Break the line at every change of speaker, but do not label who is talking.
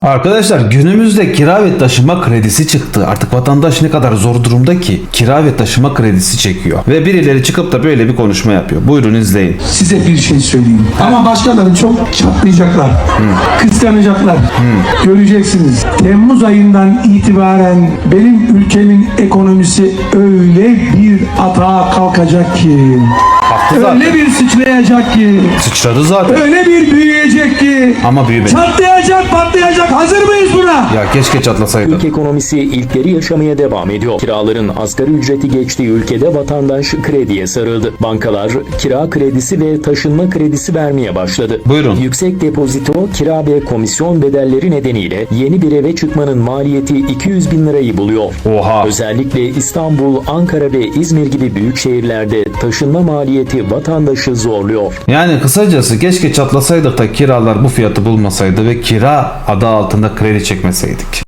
Arkadaşlar günümüzde kira ve taşıma kredisi çıktı. Artık vatandaş ne kadar zor durumda ki kira ve taşıma kredisi çekiyor. Ve birileri çıkıp da böyle bir konuşma yapıyor. Buyurun izleyin.
Size bir şey söyleyeyim. Ama başkaları çok çatlayacaklar. Kıskanacaklar. Göreceksiniz. Temmuz ayından itibaren benim ülkemin ekonomisi öyle bir atağa kalkacak ki.
Haklı zaten.
Öyle bir sıçrayacak ki.
Sıçradı zaten.
Öyle bir büyüyecek ki.
Ama büyümedi.
Çatlayacak, patlayacak. Hazır mıyız buna?
Ya keşke çatlasaydı.
Ülke ekonomisi ilkleri yaşamaya devam ediyor. Kiraların asgari ücreti geçtiği ülkede vatandaş krediye sarıldı. Bankalar kira kredisi ve taşınma kredisi vermeye başladı.
Buyurun.
Yüksek depozito, kira ve komisyon bedelleri nedeniyle yeni bir eve çıkmanın maliyeti 200 bin lirayı buluyor.
Oha.
Özellikle İstanbul, Ankara ve İzmir gibi büyük şehirlerde taşınma maliyeti vatandaşı zorluyor.
Yani kısacası keşke çatlasaydık da kiralar bu fiyatı bulmasaydı ve kira adı altında kredi çekmeseydik.